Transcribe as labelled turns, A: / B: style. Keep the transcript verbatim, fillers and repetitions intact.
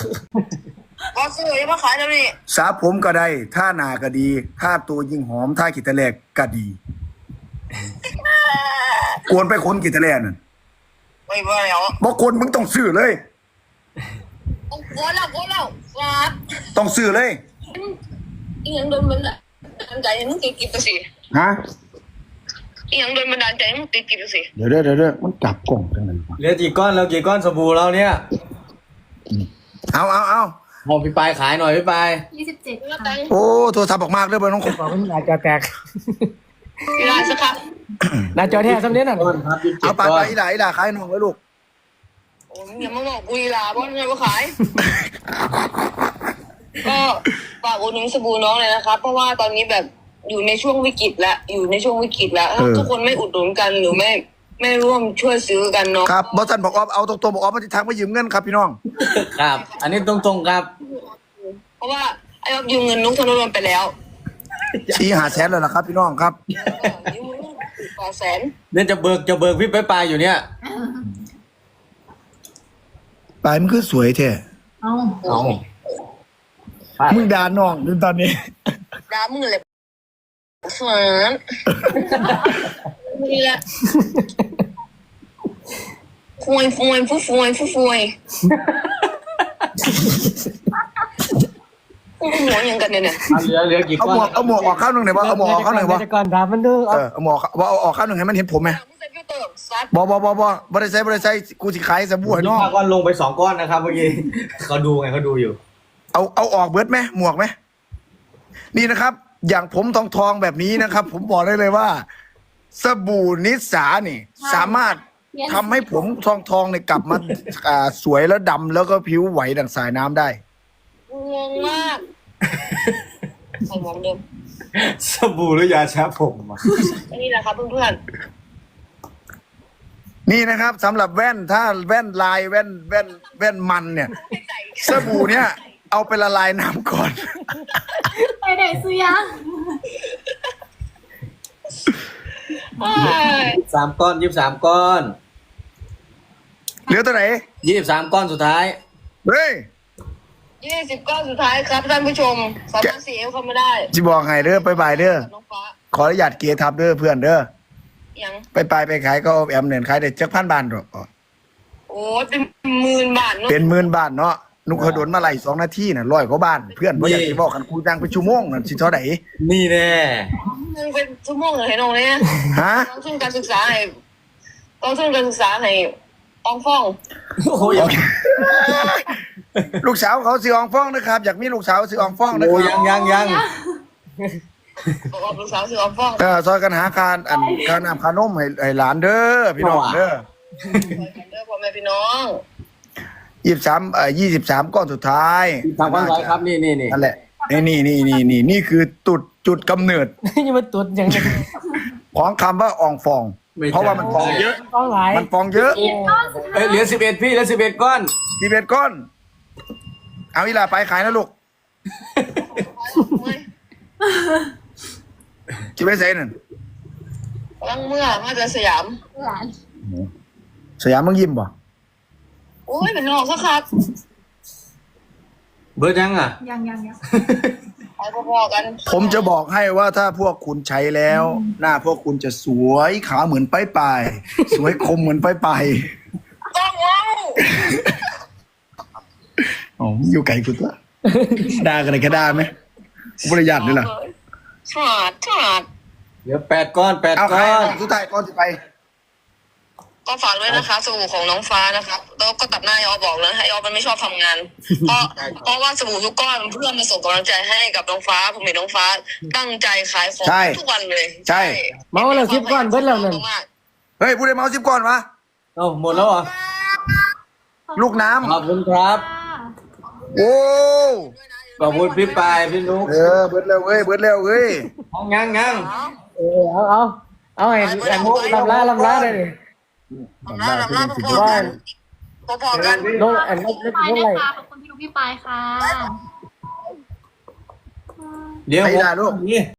A: ก็ซื้อยังมาขายแล้วนี่
B: สาผมก็ได้ท่าหนาก็ดีท่าตัวยิ่งหอมท่ากิตะแลกก็ดีกวนไปคนกิตะแลนั่น
A: ไม่ว่าแล้ว
B: บอกคนมึงต้องซื้อเลย
A: โอ้แล้วโอ้แล้วครับ
B: ต้องซื้อเลย
A: อีหยังโดนบันดาลใจให้มึงติดกิบสิ
B: ฮะ
A: อีหยังโดนบันดาลใจให้มึงติดกิบสิ
B: เดี๋ยวเดี๋ยวเดี๋ยวมันกลับกล่องจังเลย
C: เหลือกี่ก้อนแล้วกี่ก้อนสบู่เราเนี่ย
B: เอาเอาเอา
C: หอมพี่ปลายขายหน่อยพี่ปลาย
D: ยี่สิบเจ็ด
B: โอ้โทรศัพท์ออกมากเลยเบอร์น้องคน
E: บอกว่าหน้าจอแตก
A: เวลาสักครับ
E: หน้าจอแท้สำเนียงน่ะ
B: เอาไปไปอีหล่าอีหล่าขายน้องเลยลูก
A: โอ้ยอย่ามาบอกกูอีหล่าบ้านไงว่าขายก็ฝากอุดหนุนสบู่น้องเลยนะครับเพราะว่าตอนนี้แบบอยู่ในช่วงวิกฤตแล้วอยู่ในช่วงวิกฤตแล้วถ้าทุกคนไม่อุดหนุนกันหรือไม่ไม่ร่วมช่วยซื้อกันเนาะ
B: ครับบอสันบอกออฟเอาตรงๆบอกออฟมาที่ทางมายืมเงินครับพี่น้อง
C: ครับอันนี้ตรงๆครับ
A: เพราะว่าไอ้ออฟยืมเงินนุ๊กธนดลไปแล้ว
B: ชี้หาแสนเลยนะครับพี่น้องครับ
A: ยืมต่อแสน
C: เนี่ยจะเบิกจะเบิกพี่ปลายอยู่เนี่ย
B: ปลายมันคือสวยแท้
D: เอา
C: เอา
B: มึงด่าน้องดูตอนนี้
A: ด่ามึงเลยสวนนี่แหละฟวยฟวยฟูฟวยฟูฟวยหัวยังกันเนี่ย
C: เหลือเหลือกี่ก้อน
B: เอาหมวกเอาหมวกออกข้างหนึ่งหน่อยว่าเอาหมวกออกข้างหนึ่งว่า
E: ก่อนถามมันดู
B: เออเอาหมวกว่าเอาออกข้างหนึ่งให้มันเห็นผมไหมบอบอบอบอบริษัทบริษัทกูสิขายสบู่ให้น้อง
C: ก้อนลงไปสองก้อนนะครับเมื่อกี้เขาดูไงเขาดูอยู่
B: เอาเอาออกเบิร์ดไหมหมวกไหมนี่นะครับอย่างผมทองทองแบบนี้นะครับผมบอกได้เลยว่าสบู่นิสสานี่สามารถทำให้ผมทองทองเนี่ยกลับมาสวยแล้วดำแล้วก็ผิวไหวดั่งสายน้ำได้
A: งงมากใส่หมวกเดิม
C: สบู่หรือยาชาผมอ่ะ
A: นี่แหละครับเพื่อน
B: ๆนี่นะครับสำหรับแว่นถ้าแว่นลายแว่นแว่นแว่นมันเนี่ยสบู่เนี่ยเอาไปละลายน้ำก่อน
D: ไปไหนซื้อยัง
C: สามก้อนยี่สิบสามก้อน
B: เหลือตัวไหน
C: ยี่สิบสามก้อนสุดท้าย
B: เฮ้ย
A: ยี่สิบก้อนสุดท้ายครับท่านผู้ชมสามารถซีเอฟเข้ามาได้
B: จิบอกให้เด้อไปบายเด้อขออนุญาตเกียร์ทับเด้อเพื่อนเด้อ
A: ยัง
B: ไปไปไปขายก็แอมเนี่ยขายได้จักพันบาทหรอก
A: โอ้เป็นหมื่นบาทเนาะ
B: เป็นหมื่นบาทเนาะนุกขดนมาไหลสองนาทีน่ะร้อยกว่าบ้านเพื่อนเพราะอยากจะบอกกันกูดังเป็นชั่วโมงนั่นสิเท่าไหร่
C: นี่แน่
A: มึงเป็นชั่วโมงเลยน้องเนี่ย
B: ฮะ
A: ต้องทุนการศึกษาให้ต้องทุนการศึกษาให้อองฟ้อง
C: โอ้ย
B: ลูกสาวเขาซื้ออองฟ้องนะครับอยากมีลูกสาวซื้ออองฟ้องนะค
C: รับ
B: ยัง
C: ยังยัง
A: บอกลูกสาวซื้ออองฟ้อง
B: เออซอยกันหาการอันการนำขนมให้ให้หลานเด้อพี่น้องเด้อ
A: เด้อพ่อแม่พี่น้อง
B: ยี่สิบสามเอ่อยี่สิบสามก้อนสุดท้าย
C: สามก้อนสุดท้ายครับนี่นี่นี่
B: นั่นแหละนี่นี่นี่นี่นี่นี่คือจุดจุดกำเนิด
E: นี่มันตุดอย่างนี้
B: ของคำว่าอองฟองเพราะว่ามันฟองเยอะมันฟองเยอะ
C: เอ้ยเหลือสิบเอ็ดพี่เหลือสิบเอ็ดก้อน
B: สิบเอ็ดก้อนเอาอีหล่าไปขายนะลูกจิไปใส่นั่น
A: ลังเมื่อมาจากสยาม
B: สยามมึงยิ้มป่ะ
A: โอ้ยเป็นนอกสักครับ
C: เบิร์ดยังอ่ะ
D: ยังยังยัง
A: ไปพอๆกัน
B: ผมจะบอกให้ว่าถ้าพวกคุณใช้แล้ว หน้าพวกคุณจะสวยขาวเหมือนป้ายปลายสวยคมเหมือนป้ายปลาย
A: ต้องว้าว
B: อ๋ออยู่ไกลกูตัวด่ากันเลยแค่ด่าไหมบริยาทด้วยล่ะ
A: ฉาดฉาด
C: เหลือแปดก้อนแปดก้อน
B: สุดท้ายก้อนจะไป
A: ก็ฝากด้วยนะคะสบู่ของน้องฟ้านะครับแล้วก็ตัดหน้ายอบอกนะให้ยอมันไม่ชอบทำงานเพราะเพราะว่าสบู่ทุกก้อนเพื่อมาส่งกำลังใจให้กับน้องฟ้าผมเห็นน้องฟ้าตั้งใจขายของทุกวันเลย
B: ใช่
E: เมาแล้วสิบก้อนเบิดแล้วนั่น
B: เฮ้ยพูดได้เมาสิบก้อนวะ
C: เอ้าหมดแล้วเหรอ
B: ลูกน้ำ
C: ขอบคุณครับ
B: โอ้
C: ขอบคุณพี่ปายพี่นุ๊ก
B: เออเบิดแล้วเว้ยเบิดแล้วเว้ย
C: งั้งงั้ง
E: เออเอาเอาเอาไอ้ไอ้มุกลำล้าลำล้าเลย
A: ลำล้าลำล้าพอๆกันพอๆกัน
E: น้องไอ้มุกเล็กน้องอะไร
D: ขอบคุณพี่นุ๊กพี่ปายค่ะ
C: เดี๋ยวผมนี่